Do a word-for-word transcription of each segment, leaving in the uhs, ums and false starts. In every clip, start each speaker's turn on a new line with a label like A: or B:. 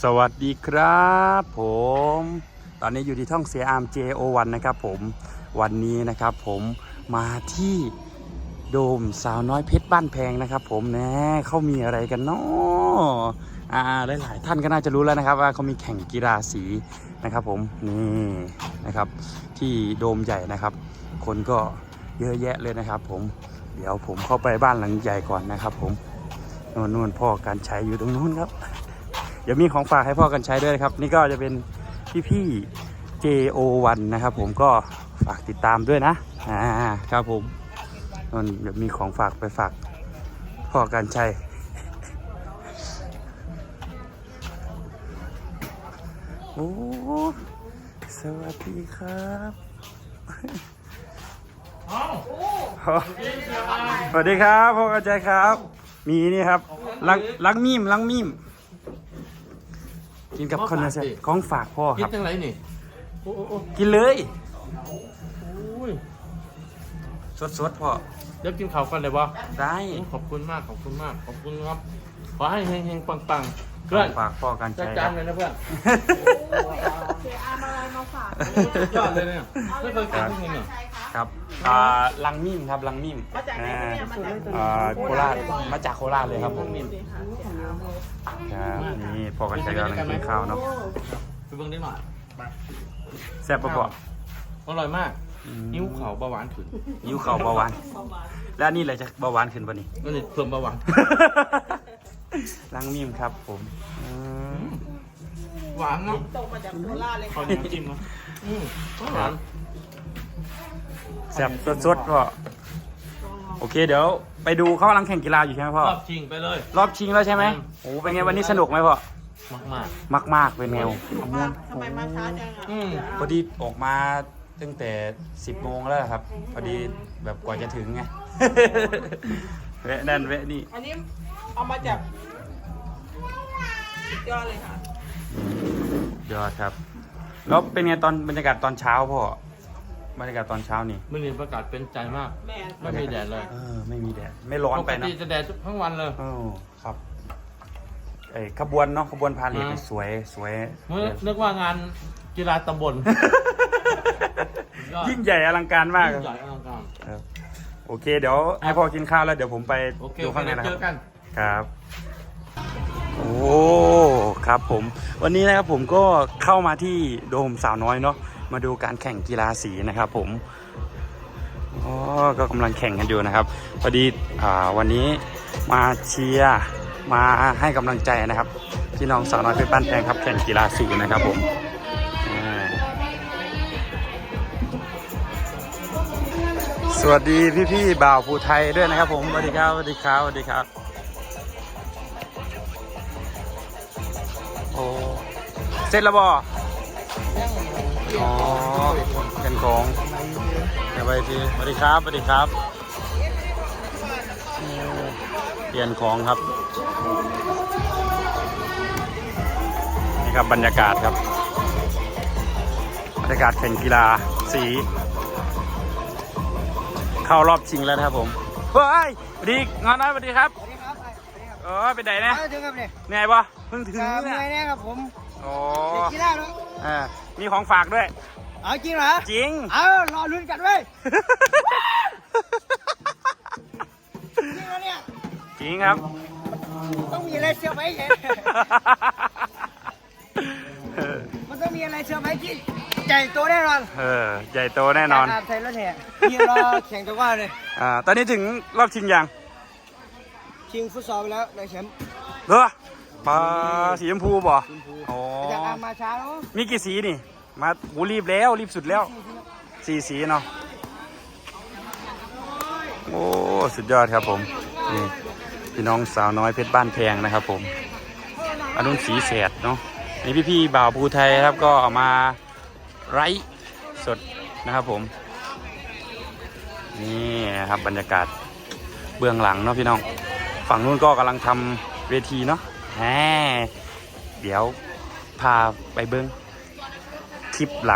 A: สวัสดีครับผมตอนนี้อยู่ที่ท่องเสียอาร์ม เจ โอ วัน นะครับผมวันนี้นะครับผมมาที่โดมสาวน้อยเพชรบ้านแพงนะครับผมนะเขามีอะไรกันเนาะอ่าหลายๆท่านก็น่าจะรู้แล้วนะครับว่าเขามีแข่งกีฬาสีนะครับผมนี่นะครับที่โดมใหญ่นะครับคนก็เยอะแยะเลยนะครับผมเดี๋ยวผมเข้าไปบ้านหลังใหญ่ก่อนนะครับผมนู่นนู่นพ่อการใช้อยู่ตรงนู้นครับเดี๋ยวมีของฝากให้พ่อกันใช้ด้วยครับนี่ก็จะเป็นพี่ๆ เจ โอ วัน นะครับผมก็ฝากติดตามด้วยนะอ่าครับผมนั่นเดี๋ยวมีของฝากไปฝากพ่อกันใช้โอ้สวัสดีครับสวัสดีครับพ่อกันใช้ครับมีนี่ครับลังลังมีมลังมีมกินกับคนละเซตของฝากพ่อครับ
B: กินจังไรนี่
A: กินเลย
B: ส
A: สดๆพ่อ
B: เดี๋ยวกินข้าวกันเลยบ่
A: ได้
B: ขอบคุณมากขอบคุณมากขอบคุณครับขอให้เฮงๆปังๆ
A: เพื่อนฝากพ่อกันใช้
B: จานเลยนะเพื่อน
C: เสียอาร์มอะไรมาฝาก
B: ยอดเลยเนี่ยไม่เคยกินที่นี่
A: ครับอ่าลังมิมครับลังมิม
C: มาจากไหนเนี่ยมาจาก
A: อ่าโคราชมาจากโคราชเลยครับผมครับนี่พ่อกันใช้กำลังกินข้าวเนาะ
B: ไปเบิ่งได้หน่อย
A: แซ่บปะพ่อ
B: อร่อยมากนิ้วเข่าเบาหวานขึ้น
A: นิ้วเข่าเบาหวานแล้วนี่อะไรจะเบาหวานขึ้นป่ะนี่
B: ก็นี่เพิ่มเบาหวาน
A: ลังมิมครับผม
B: หวานเนาะ
C: ตกมาจากโคราชเลย
B: ขอน้ำจิ้มเนาะอืมหวาน
A: แซ่บสดๆพ่อโอเคเดี๋ยวไปดูเขากำลังแข่งกีฬาอยู่ใช่ไหมพ่อ
B: รอบชิงไปเลย
A: รอบชิงแล้วใช่ไหมโอ้เป็นไงวันนี้สนุกไหมพ่อ
B: มากมาก
A: มากมากเป็นแนว
C: ทำไมมาช้าจังอ่ะ
A: พอดีออกมาตั้งแต่สิบโมงแล้วครับพอดีแบบกว่าจะถึงไงแวะนั่นแวะนี่
C: อันนี้เอามาจากยอดเลยค่ะ
A: ยอดครับแล้วเป็นไงตอนบรรยากาศตอนเช้าพ่อบรรยากาศตอนเช้านี่
B: ไม่มีประกาศเป็นใจมากไม่มีแดดเลย
A: เออไม่มีแดดไม่ร้อนไปนะ
B: ปกติจะแดดทั้งวันเลย
A: เออครับไอ้ขบวนเนาะขบวนพาเหรดสวยสวย
B: นึกว่างานกีฬาตำบล
A: ยิ่งใหญ่อลังการมาก
B: ยิ่งใหญ่อลังการ
A: โอเคเดี๋ยวให้พ่อกินข้าวแล้วเดี๋ยวผมไปดูข้างในนะครับครับโอ้ครับผมวันนี้นะครับผมก็เข้ามาที่โดมสาวน้อยเนาะมาดูการแข่งกีฬาสีนะครับผมอ๋อก็กำลังแข่งกันอยู่นะครับพอดีอ่าวันนี้มาเชียร์มาให้กำลังใจนะครับพี่น้องสาวน้อยเพชรบ้านแพงครับแข่งกีฬาสีนะครับผมสวัสดีพี่ๆบ่าวภูไทยด้วยนะครับผมสวัสดีครับสวัสดีครับสวัสดีครับโอ้เสร็จแล้วบ่อ๋อเป็นของเดี๋ยวไปทีสวัสดีครับสวัสดีครับเปลี่ยนของครับนี่ครับบรรยากาศครับบรรยากาศแข่งกีฬาสีเข้ารอบชิงแล้วนะครับผมเฮ้ยสวัสดีงานน้อยสวัสดีครับสวัสดีครับเออเป็นไหนเนี่ย
C: ถึงครับเนี่ย
A: เหนื่อยปะเพิ่งถึง
C: เนี่ยเหนื่อยแน่ครับผม
A: โอ้
C: กีฬาเนาะ
A: อ่ามีของฝากด้วย
C: เอาจริงเหรอ
A: จริง
C: เอารอลุ้นกันเว้ยจริงเหรอเนี่ย
A: จริงครับ
C: ต้องมีอะไรเชื่อไหมเห็นมันต้องมีอะไรเชื่อไหมที่ใหญ่โตแน่นอน
A: เออใหญ่โตแน่นอน
C: ไทยแล้วเนี่ยนี่รอแข่งตัวว่าเลย
A: อ่าตอนนี้ถึงรอบชิงยัง
C: ชิงฟุตซอลไปแล้วได้แชมป์
A: เหรอปลาสีชมพูบ่อ๋อ
C: จากอามาช้าแล้ว
A: มีกี่สีนี่มาหูรีบแล้วรีบสุดแล้วสี่สีเนาะโอ้สุดยอดครับผมนี่พี่น้องสาวน้อยเพชรบ้านแพงนะครับผมอนุนสีแสดเนาะนี่พี่ๆบ่าวภูไทยครับก็เอามาไร้สดนะครับผมนี่นะครับบรรยากาศเบื้องหลังเนาะพี่น้องฝั่งนู้นก็กำลังทำเวทีเนาะแหมเดี๋ยวพาไปเบิ้งคลิปหลัง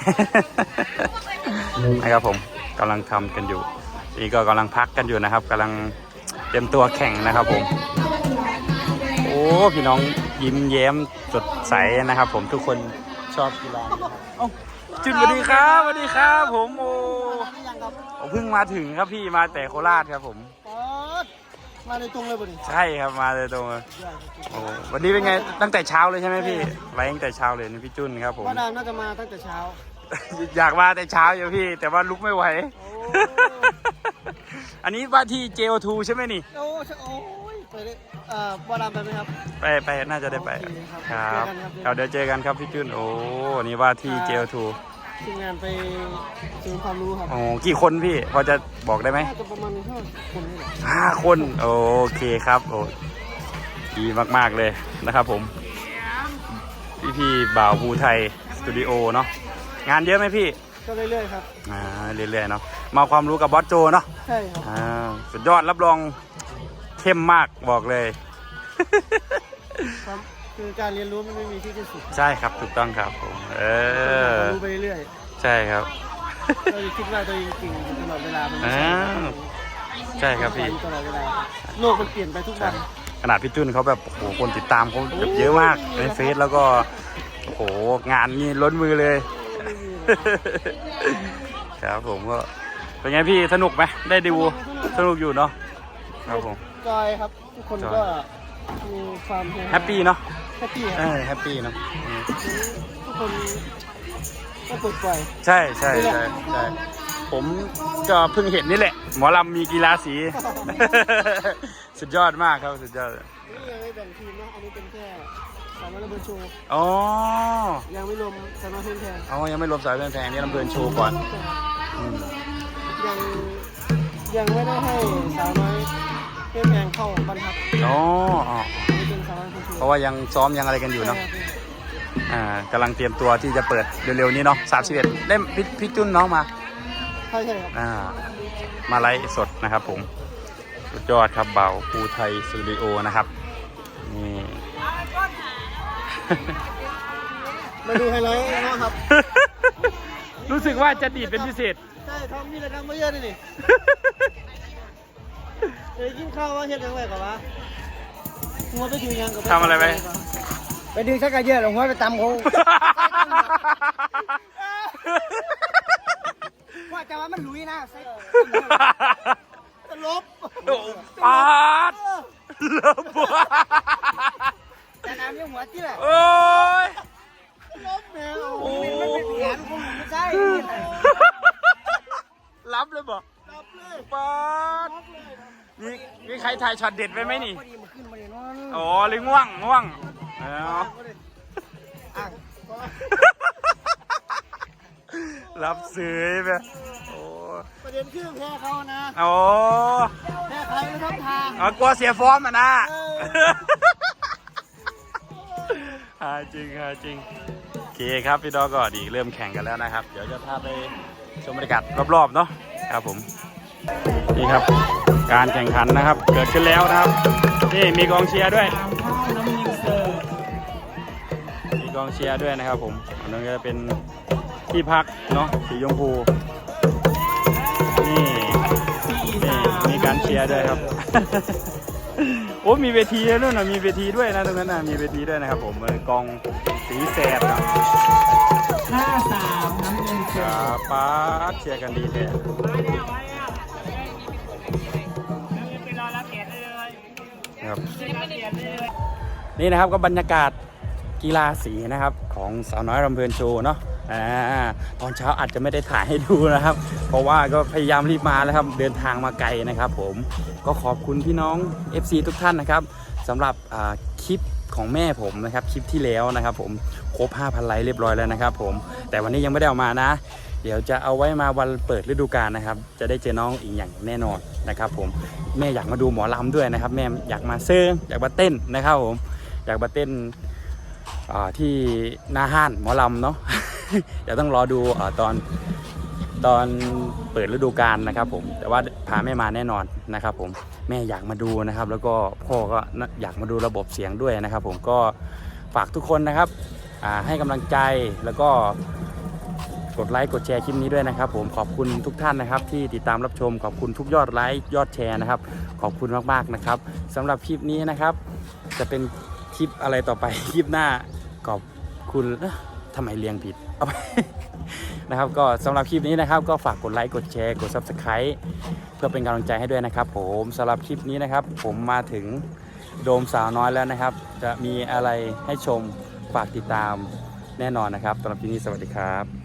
A: นะครับผมกำลังทำกันอยู่นี่ก็กำลังพักกันอยู่นะครับกำลังเตรียมตัวแข่งนะครับผมโอ้พี่น้องยิ้มแย้มสดใสนะครับ ผมทุกคนชอบกีฬาเอ้าจุดสวัสดีครับสวัสดีครับผมโอ้ผมเพิ่งมาถึงครับพี่มาแต่โคราชครับผม
C: มาในตรงเลยบ่ดิ
A: ใช่ครับมาเลยตรงโอ้วันนี้เป็นไงตั้งแต่เช้าเลยใช่ไหมพี่ไว้ตั้งแต่เช้าเลยนี่พี่จุนครับผม
C: ว่าดามน่าจะมาตั้งแต่เช้า
A: อยากมาแต่เช้าอยู่พี่แต่ว่าลุกไม่ไหวอันนี้ว่าที่ เจ โอ ทู ใช่ไหมนี่
C: โอ้โอ้ยไปเลยเอ่อว่าดามไปไหมครับ
A: ไปไปน่าจะได้ไปครับเดี๋ยวเจอกันครับพี่จุนโอ้นี่ว่าที่ เจ โอ ทู
C: ทีมงานไปเสริมความรู้ครับ
A: โอ้กี่คนพี่พอจะบอกได้ไหม
C: น่าจะประมาณห้าคนนี่แหละ
A: ห้าคนโอเคครับโอ้ดีมากๆเลยนะครับผมพี่พี่บ่าวภูไทยสตูดิโอเนาะงานเยอะไหมพี่
C: ก็เรื่อยๆครับ
A: อ่าเรื่อยๆเนาะมาความรู้กับบอสโจเนาะ
C: ใช่ครับ
A: อ่าสุดยอดรับรองเข้มมากบอกเลย
C: คือการเรียนรู้มันไม่มีที่สิ้นสุด
A: ใช่ครับถูกต้องครับผมเออ
C: รู้ไปเรื่อย
A: ใช่ครับ
C: เราคิดว่าตัวเองเก่งตลอดเวลามันไม่
A: ใช่ครับพี่
C: ตลอดเวลาโลกมันเปลี่ยนไปทุกวัน
A: ขนาดพี่จุนเขาแบบโอ้โหคนติดตามเขาแบบเยอะมากในเฟซแล้วก็โอ้โหงานนี่ล้นมือเลยครับผมก็เป็นไงพี่สนุกไหมได้ดูสนุกอยู่เนาะครับผม
C: จอยครับทุกคนก็มีความ
A: แฮปปี้เนาะ
C: แฮปปี้
A: เออแฮปปี้เนาะ
C: ทุกคนก็ปลดปล่อย
A: ใช่ใช่ใช่ใช่ผมก็เพิ่งเห็นนี่แหละหมอลำมีกีฬาสีสุดยอดมากครับสุดยอด
C: นี่ยังไม่แบ่งทีมนะอันนี้เป็นแค่สาวน้อยลำเพลินโชว์
A: อ๋อ
C: ยังไม่รวมสาวน้อยเพลินแพง
A: อ๋อยังไม่รวมสาวน้อยเพลินแพงนี่ลำเพลินโชว์ก่อน
C: ยังยังไม่ได้ให้สาวน้อยเพลินแพงเข้าบรรทัด
A: อ๋อเพราะว่ายังซ้อมยังอะไรกันอยู่เนาะอ่ากำลังเตรียมตัวที่จะเปิดเร็วๆนี้เนาะสามสิบเอ็ดเล่มพี่จุนน้องมา
C: ใช่ใช่ครับ
A: อ่ามาไลฟ์สดนะครับผมสุดยอดครับเบาภูไทยสตูดิโอนะครับนี่
C: มาดูไฮไลท์นะครับ
A: รู้สึกว่าจะดีดเป็นพิเศษ
C: ใช่ทำมีอะไรทำมาเยอะเลยนี่เอ้ยกินข้าวว่าเฮ็ดยังไงกับวะหัวไปดูยังกับ
A: ทำอะไรไป
C: ไปดึงชักกระเยอะหลงหัวไปตำเขาว่าจะว่ามันลุยนะจะลบ
A: ปาดลบ
C: แต่น้ำยังหัวที่แหละ
A: โอ้ย
C: ลบแมวโอ้ยมันเป็นแผนของผมไม่ใช่
A: รับเลยบอก
C: รับเลย
A: ปาดมีมีใครถ่ายช็อตเด็ดไปไหมนี่อ๋อเลยง่วงง่วงรับซื้อไปโอ้
C: ประเด็นคือแพ้เขานะ
A: โอ้
C: แพ้ใครไม่ทับทาง
A: อ๋อกลัวเสียฟอร์มอ่ะนะฮาจริงฮาจริงโอเคครับพี่ดอก็ดีเริ่มแข่งกันแล้วนะครับเดี๋ยวจะพาไปชมบรรยากาศรอบๆเนาะครับผมนี่ครับการแข่งขันนะครับเกิดขึ้นแล้วนะครับนี่มีกองเชียร์ด้วยมีกองเชียร์ด้วยนะครับผมอันนั้นจะเป็นที่พักเนาะสีชมพูนี่นี่มีการเชียร์ด้วยครับโอ้มีเวทีด้วยนะมีเวทีด้วยนะตรงนั้นนะมีเวทีด้วยนะครับผมกองสีแสดนะ
C: ห้าสามน้ำเงินเชียร์
A: ป้าเชียร์กันดีเลยครับนี่นะครับก็บรรยากาศกีฬาสีนะครับของสาวน้อยลำเพลินโชว์เนาะอ่าตอนเช้าอาจจะไม่ได้ถ่ายให้ดูนะครับเพราะว่าก็พยายามรีบมาแล้วครับเดินทางมาไกลนะครับผมก็ขอบคุณพี่น้อง เอฟ ซี ทุกท่านนะครับสำหรับคลิปของแม่ผมนะครับคลิปที่แล้วนะครับผมครบ ห้าพัน ไลค์เรียบร้อยแล้วนะครับผมแต่วันนี้ยังไม่ได้เอามานะเดี๋ยวจะเอาไว้มาวันเปิดฤดูกาลนะครับจะได้เจอน้องอีกอย่างแน่นอนนะครับผมแม่อยากมาดูหมอลำด้วยนะครับแม่อยากมาเซิร์งอยากมาเต้นนะครับผมอยากมาเต้นที่หน้าห้านหมอลำเนาะ เดี๋ยวต้องรอดูตอนตอนเปิดฤดูกาลนะครับผมแต่ว่าพาแม่มาแน่นอนนะครับผมแม่อยากมาดูนะครับแล้วก็พ่อก็อยากมาดูระบบเสียงด้วยนะครับผมก็ฝากทุกคนนะครับให้กำลังใจแล้วก็กดไลค์กดแชร์คลิปนี้ด้วยนะครับผมขอบคุณทุกท่านนะครับที่ติดตามรับชมขอบคุณทุกยอดไลค์ยอดแชร์นะครับขอบคุณมากๆนะครับสำหรับคลิปนี้นะครับจะเป็นคลิปอะไรต่อไป คลิปหน้าขอบคุณเอ๊ะทำไมเรียงผิดเอาไป นะครับก็สำหรับคลิปนี้นะครับก็ฝากกดไลค์กดแชร์กด ซับสไครบ์ เพื่อเป็นกำลังใจให้ด้วยนะครับผมสำหรับคลิปนี้นะครับผมมาถึงโดมสาวน้อยแล้วนะครับ จะมีอะไรให้ชมฝากติดตามแน่นอนนะครับสำหรับที่นี้สวัสดีครับ